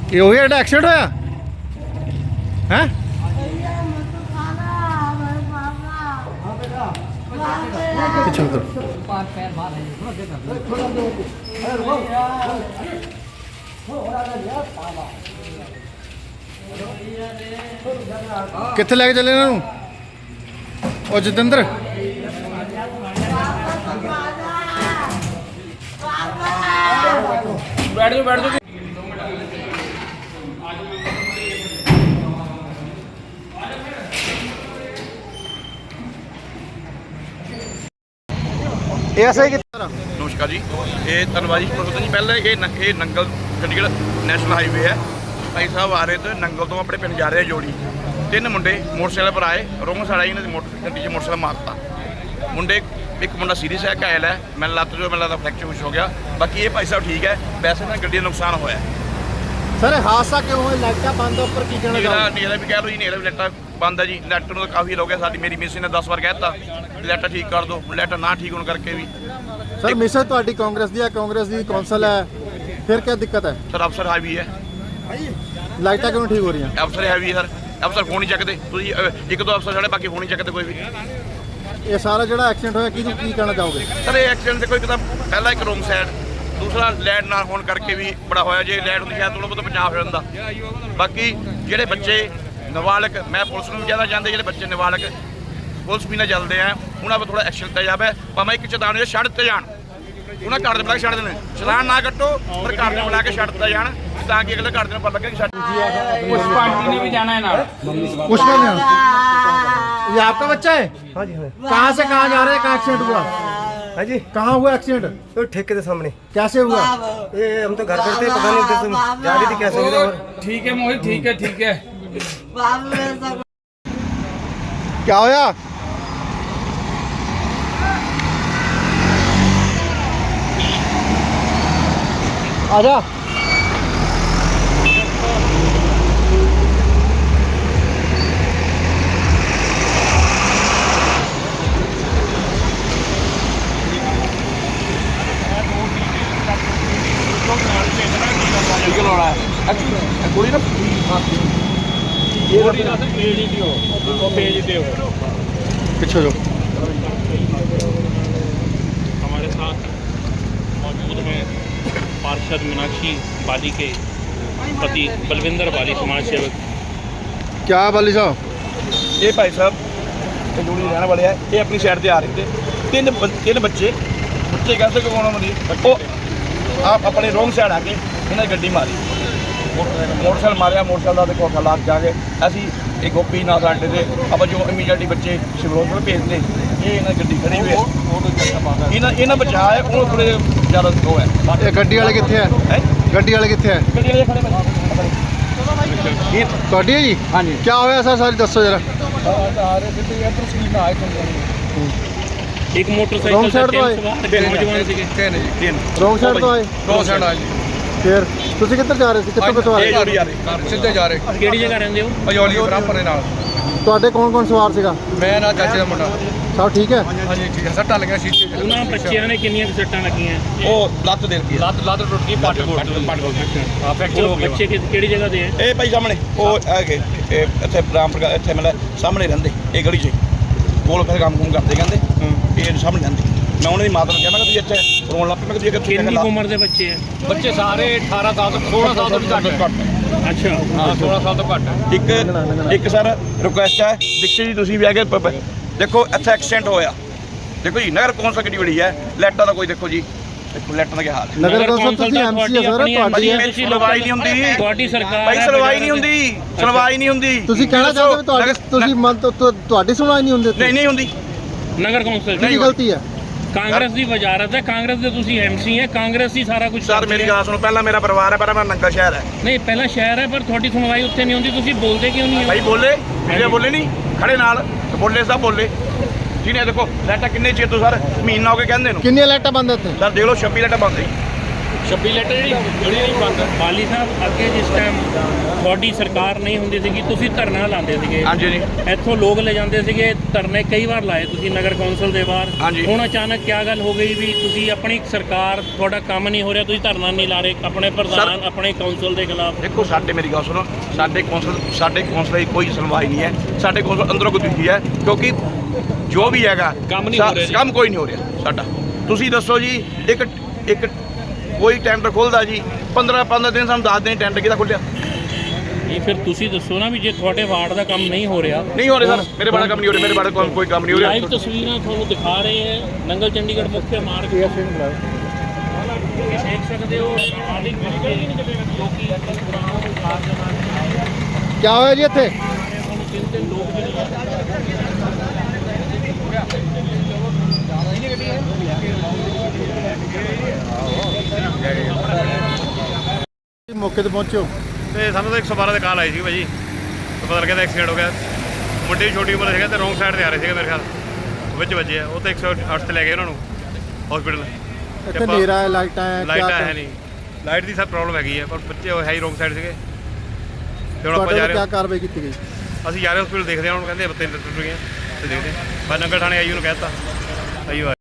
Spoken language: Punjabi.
ਇਹ ਉਹੀ ਜਿਹੜਾ ਐਕਸੀਡੈਂਟ ਹੋਇਆ ਹੈ? ਪਿੱਛੇ ਉਤਰ। ਕਿੱਥੇ ਲੈ ਕੇ ਚੱਲੇ ਇਹਨਾਂ ਨੂੰ? ਉਹ ਜਤਿੰਦਰ बैठ जाओ बैठ जाओ। ਇਹ ਐਸਾ ਕਿੱਥੇ? नमस्कार जी, ये धनबाद जी पता नहीं पहले ये नंगल चंडीगढ़ नैशनल हाईवे है। भाई साहब आ रहे थे नंगल तो अपने पिंड जा रहे हैं जोड़ी। तीन मुंडे मोटरसाइकिल पर आए, रोंग साइड आई इन्होंने गड्डी च मोटरसाइकिल मारता। मुंडे एक मुंडा सीरीयस है, घायल है, मैंने लत्त जो मैंने लगता फ्रैक्चर कुछ हो गया। बाकी ये भाई साहब ठीक है, वैसे ना गड्डी का नुकसान होया। सर हादसा क्यों होया? लाइटा बंद ऊपर की कहना चाहोगे? नेरा भी कह लो जी, नेरा भी लाइटा बंद है जी। लाइट तो काफ़ी हो गया, साडी मेरी मिसी ने 10 बार कहता लाइटा ठीक कर दो, लाइटा ना ठीक होने करके भी। सर मिसेज ਤੁਹਾਡੀ ਕਾਂਗਰਸ ਦੀ ਹੈ, ਕਾਂਗਰਸ ਦੀ ਕੌਂਸਲ ਹੈ, ਫਿਰ ਕੀ ਦਿੱਕਤ ਹੈ? सर अफसर हैवी है, ਲਾਈਟਾਂ ਕਿਉਂ ਠੀਕ ਹੋ ਰਹੀਆਂ? अफसर हैवी है सर। अफसर फोन ही चकते, एक दो अफसर साढ़े बाकी फोन ही चकते कोई भी। ਇਹ ਸਾਰਾ ਜਿਹੜਾ ਐਕਸੀਡੈਂਟ ਹੋਇਆ ਕੀ ਕਹਿਣਾ ਚਾਹੋਗੇ? सर ये एक्सीडेंट से कोई पता पहला एक रोंग साइड, दूसरा लाइट ना होने करके भी बड़ा होया। जे लाइट होंदी शायद थोड़ा बहुत बचाव हो जाता। बाकी ਜਿਹੜੇ ਬੱਚੇ ਨਾਬਾਲਗ, ਮੈਂ ਪੁਲਿਸ ਨੂੰ ਵੀ ਕਹਿਣਾ ਚਾਹੁੰਦੇ ਜਿਹੜੇ ਬੱਚੇ ਨਾਬਾਲਗ ਪੁਲਿਸ ਵੀ ਨਾ ਚੱਲਦੇ ਆ ਉਹਨਾਂ 'ਤੇ ਥੋੜਾ ਐਕਸ਼ਨ ਲਿਆ ਜਾਵੇ। ਭਾਵੇਂ ਇੱਕ ਚੇਤਾਵਨੀ ਛੱਡ ਦਿੱਤੇ ਜਾਣ, ਉਹਨਾਂ ਘਰ ਦੇ ਬੁਲਾ ਕੇ ਛੱਡ ਦੇਣ, ਚਲਾਨ ਨਾ ਕੱਟੋ ਪਰ ਘਰ ਦੇ ਬੁਲਾ ਕੇ ਛੱਡ ਦਿੱਤਾ ਜਾਣ ਤਾਂ ਕਿ ਅਗਲੇ ਘਰ ਦੇ ਨੂੰ ਪਤਾ ਲੱਗੇ ਕਿ ਛੱਡ। पुष्पा आंटी ने भी जाना है ना। पुष्पा ने ये आपका बच्चा है? हाँ जी हाँ। कहाँ से कहाँ जा रहे हैं? कहाँ एक्सीडेंट हुआ? हाँ जी, कहाँ हुआ एक्सीडेंट? तो ठेके के सामने। कैसे हुआ? ये हम तो घर पर थे, पता नहीं उधर से जा रही थी कैसे हुआ। और ठीक है मोहित, ठीक है ठीक है। क्या होया? आजा। गोली ना पीछे जो हमारे साथ मौजूद हैं पार्षद मीनाक्षी बाली के पति बलविंदर बाली, समाज सेवक। क्या बाली साहब? ये भाई साहब जोड़ी रहने वाले हैं, ये अपनी साइड से आ रहे थे। तीन बच्चे कैसे कौन वो आप अपने रोंग साइड आके इन्हें गड्डी मारी, मोटरसाइकिल मारिया। मोटरसाइकिल का देखो हालात जाके असी एक गोपी ना साडे थे आप जो इमीडिएटली बच्चे सिविल हॉस्पिटल भेजते। ये इन्हें गड्डी खड़ी हुई है, इन्हें बचा है वो थोड़े ज़्यादा वो है। ये गड्डी वाले कितने हैं? गड्डी वाले कितने हैं? गड्डी वाले खड़े ये ਤੁਹਾਡੀ है जी? हाँ जी। क्या होया सर? सारी दसो जरा। एक मोटरसाइकिल Wrong side तो आए। नौजवान से ਰੋਂਗ ਸਾਈਡ ਤੋਂ ਆਏ? दो साइड आ जी। ਫਿਰ ਤੁਸੀਂ ਕਿੱਧਰ ਜਾ ਰਹੇ ਸੀ? ਕਿੱਥੋਂ ਕਿੱਥੋਂ ਆ ਰਹੇ? जोड़ी आ रही सीधे जा रहे ਕਿਹੜੀ ਜਗ੍ਹਾ ਰਹਿੰਦੇ ਹੋ? पजौली बराबर नाल। ਤੁਹਾਡੇ ਕੌਣ ਕੌਣ ਸਵਾਰ ਸੀਗਾ? मैं ना चाचे का मुंडा। ਸਭ ਠੀਕ ਹੈ? हाँ जी ठीक है, सट्टा लगे शीशे च। ਉਹਨਾਂ ਬੱਚਿਆਂ ਨੇ ਕਿੰਨੀਆਂ ਕੁ ਸੱਟਾਂ ਲੱਗੀਆਂ? वो लत्त दे दी है। लत टुट गई, पट फ्रैक्चर ਉਹ ਬੱਚੇ ਕਿਹੜੀ ਜਗ੍ਹਾ ਦੇ ਹੈ? ਇਹ ਭਾਈ ਸਾਹਮਣੇ ਉਹ ਹੈਗੇ ਇੱਥੇ ਰਾਮਪੁਰ ਇੱਥੇ ਮਤਲਬ ਸਾਹਮਣੇ ਰਹਿੰਦੇ ਇਹ ਗਲੀ 'ਚ ਕੋਲ ਫਿਰ ਕੰਮ ਕਰਦੇ ਕਹਿੰਦੇ ਇਹ ਸਾਹਮਣੇ ਰਹਿੰਦੇ। ਮੈਂ ਉਹਨਾਂ ਦੀ ਮਾਤਾ ਨੂੰ ਕਿਹਾ ਮੈਂ ਕਿ ਤੁਸੀਂ ਇੱਥੇ ਰੋਣ ਲੱਗ ਪਏ। ਮੈਂ ਕਿ ਤੁਸੀਂ ਕਿੰਨੀ ਕੁ ਉਮਰ ਦੇ ਬੱਚੇ ਹੈ? बच्चे सारे 18 साल तो 16 साल तो भी घट। ਅੱਛਾ, हाँ 16 साल तो घट। ਇੱਕ ਸਰ ਰਿਕੁਐਸਟ ਹੈ ਦੀਕਸ਼ਿਤ ਜੀ ਤੁਸੀਂ ਵੀ ਆ ਕੇ ਦੇਖੋ ਇੱਥੇ ਐਕਸੀਡੈਂਟ ਹੋਇਆ। ਦੇਖੋ ਜੀ ਨਗਰ ਕੌਂਸਲ ਕਿਹੜੀ ਬੜੀ ਹੈ, ਲਾਈਟਾਂ ਦਾ ਕੋਈ ਦੇਖੋ ਜੀ, ਦੇਖੋ ਲਾਈਟਾਂ ਦਾ ਕੀ ਹਾਲ ਹੈ। ਨਗਰ ਕੌਂਸਲ ਤੁਸੀਂ ਐਮਸੀ ਹੈ ਸਰ, ਤੁਹਾਡੀ ਹੈ। ਸੁਣਵਾਈ ਨਹੀਂ ਹੁੰਦੀ, ਤੁਹਾਡੀ ਸਰਕਾਰ ਭਾਈ ਸੁਣਵਾਈ ਨਹੀਂ ਹੁੰਦੀ, ਸੁਣਵਾਈ ਨਹੀਂ ਹੁੰਦੀ। ਤੁਸੀਂ ਕਹਿਣਾ ਚਾਹਦੇ ਹੋ ਤੁਹਾਡੀ ਤੁਸੀਂ ਤੁਹਾਡੀ ਸੁਣਵਾਈ ਨਹੀਂ ਹੁੰਦੀ? ਨਹੀਂ ਹੁੰਦੀ। ਨਗਰ ਕੌਂਸਲ ਕੀ ਗਲਤੀ ਹੈ? ਕਾਂਗਰਸ ਦੀ ਵਜ਼ਾਰਤ ਹੈ, ਕਾਂਗਰਸ ਦੇ ਤੁਸੀਂ ਐਮਸੀ ਹੈ, ਕਾਂਗਰਸ ਹੀ ਸਾਰਾ ਕੁਝ। ਸਰ ਮੇਰੀ ਗੱਲ ਸੁਣੋ, ਪਹਿਲਾਂ ਮੇਰਾ ਪਰਿਵਾਰ ਹੈ, ਪਰ ਮੈਂ ਨੰਗਾ ਸ਼ਹਿਰ ਹੈ। ਨਹੀਂ ਪਹਿਲਾਂ ਸ਼ਹਿਰ ਹੈ, ਪਰ ਤੁਹਾਡੀ ਸੁਣਵਾਈ ਉੱਥੇ ਨਹੀਂ ਹੁੰਦੀ। ਤੁਸੀਂ ਬੋਲਦੇ ਕਿਉਂ ਨਹੀਂ ਹੋ? ਭਾਈ ਬੋਲੇ ਮੇਰੇ ਬੋਲੇ ਨਹੀਂ ਖੜੇ ਨਾਲ ਬੋਲੇ ਸਭ ਬੋਲੇ ਜਿਹਨੇ ਦੇਖੋ ਲਾਈਟਾਂ ਕਿੰਨੇ ਚਿਰ ਤੋਂ ਸਰ ਮਹੀਨਾ ਹੋ ਕੇ ਕਹਿੰਦੇ ਨੂੰ। ਕਿੰਨੀਆਂ ਲਾਈਟਾਂ ਬੰਦ ਇੱਥੇ? ਸਰ ਦੇਖ ਲਓ 26 ਲਾਈਟਾਂ ਬੰਦ ਸੀ। 26 ਲੀਟਰ ਜਿਹੜੀ ਨਹੀਂ ਬੰਦ ਬਾਲੀ ਸਾਹਿਬ ਅੱਗੇ ਜਿਸ ਟਾਈਮ ਤੁਹਾਡੀ ਸਰਕਾਰ ਨਹੀਂ ਹੁੰਦੀ ਸੀਗੀ ਤੁਸੀਂ ਧਰਨਾ ਲਾਉਂਦੇ ਸੀਗੇ ਹਾਂਜੀ ਜੀ ਇੱਥੋਂ ਲੋਕ ਲੈ ਜਾਂਦੇ ਸੀਗੇ ਧਰਨੇ ਕਈ ਵਾਰ ਲਾਏ ਤੁਸੀਂ ਨਗਰ ਕੌਂਸਲ ਦੇ ਬਾਹਰ ਹਾਂਜੀ। ਹੁਣ ਅਚਾਨਕ ਕੀ ਗੱਲ ਹੋ ਗਈ ਵੀ ਤੁਸੀਂ ਆਪਣੀ ਸਰਕਾਰ ਤੁਹਾਡਾ ਕੰਮ ਨਹੀਂ ਹੋ ਰਿਹਾ ਤੁਸੀਂ ਧਰਨਾ ਨਹੀਂ ਲਾ ਰਹੇ ਆਪਣੇ ਪ੍ਰਧਾਨ ਆਪਣੇ ਕੌਂਸਲ ਦੇ ਖਿਲਾਫ ਦੇਖੋ ਸਾਡੇ ਮੇਰੀ ਗੱਲ ਸੁਣੋ ਸਾਡੇ ਕੌਂਸਲ ਦੀ ਕੋਈ ਸੁਣਵਾਈ ਨਹੀਂ ਹੈ ਸਾਡੇ ਕੌਂਸਲ ਅੰਦਰੋਂ ਕੋਈ ਦੁਖੀ ਹੈ ਕਿਉਂਕਿ ਜੋ ਵੀ ਹੈਗਾ ਕੰਮ ਨਹੀਂ ਹੋ ਰਿਹਾ ਕੰਮ ਕੋਈ ਨਹੀਂ ਹੋ ਰਿਹਾ ਸਾਡਾ ਤੁਸੀਂ ਦੱਸੋ ਜੀ ਇੱਕ ਕੋਈ ਟੈਂਡਰ ਖੁੱਲਦਾ ਜੀ 15 ਦਿਨ ਸਾਨੂੰ ਦੱਸ ਦਿਨ ਟੈਂਡਰ ਕਿਹਦਾ ਖੁੱਲਿਆ ਇਹ ਫਿਰ ਤੁਸੀਂ ਦੱਸੋ ਨਾ ਵੀ ਜੇ ਤੁਹਾਡੇ ਵਾਰਡ ਦਾ ਕੰਮ ਨਹੀਂ ਹੋ ਰਿਹਾ ਨਹੀਂ ਹੋ ਰਿਹਾ ਸਰ ਮੇਰੇ ਬਾਰੇ ਕੰਮ ਨਹੀਂ ਹੋ ਰਿਹਾ ਮੇਰੇ ਬਾਰੇ ਕੋਈ ਕੰਮ ਨਹੀਂ ਹੋ ਰਿਹਾ ਲਾਈਵ ਤਸਵੀਰਾਂ ਤੁਹਾਨੂੰ ਦਿਖਾ ਰਹੇ ਹੈ ਨੰਗਲ ਚੰਡੀਗੜ੍ਹ ਮੁੱਖ ਮਾਰਗ ਦੇਖ ਸਕਦੇ ਹੋ ਆਦਿ ਜੋ ਕਿ ਕੀ ਹੋਇਆ ਜੀ ਇੱਥੇ ਤਿੰਨ ਲੋਕ ਮੌਕੇ ਤੇ ਪਹੁੰਚੋ ਤੇ ਸਾਨੂੰ ਤਾਂ 112 ਦੇ ਕਾਲ ਆਈ ਸੀ ਭਾਜੀ ਤੇ ਪਤਾ ਲੱਗਿਆ ਤਾਂ ਐਕਸੀਡੈਂਟ ਹੋ ਗਿਆ ਮੁੰਡੇ ਦੀ ਛੋਟੀ ਉਮਰ ਸੀਗਾ ਤੇ ਰੋਂਗ ਸਾਈਡ ਤੇ ਆ ਰਹੇ ਸੀਗੇ ਮੇਰੇ ਖਿਆਲ ਵਿੱਚ ਵੱਜੇ ਆ ਉਹ ਤੇ 108 ਤੇ ਲੈ ਗਏ ਉਹਨਾਂ ਨੂੰ ਹਸਪੀਟਲ ਇੱਥੇ ਹਨੇਰਾ ਹੈ ਲਾਈਟਾਂ ਹੈ ਲਾਈਟਾਂ ਹੈ ਨਹੀਂ ਲਾਈਟ ਦੀ ਸਰ ਪ੍ਰੋਬਲਮ ਹੈਗੀ ਹੈ ਪਰ ਬੱਚੇ ਉਹ ਹੈ ਹੀ ਰੋਂਗ ਸਾਈਡ ਸੀਗੇ ਤੇ ਹੁਣ ਆਪਾਂ ਤੁਹਾਡੇ ਜਾ ਵੱਲੋਂ ਰਹੇ ਕੀ ਕਾਰਵਾਈ ਕੀਤੀ ਗਈ ਅਸੀਂ ਜਾ ਰਹੇ ਹਸਪੀਟਲ ਦੇਖਦੇ ਹਾਂ ਹੁਣ ਕਹਿੰਦੇ ਬੱਤੇ ਟੁੱਟ ਗਈਆਂ ਤੇ ਦੇਖਦੇ ਹਾਂ ਬਸ ਨੰਗਲ ਥਾਣੇ ਆਈ ਉਹਨੂੰ ਕਹਿ ਦਿੱਤਾ ਆਈ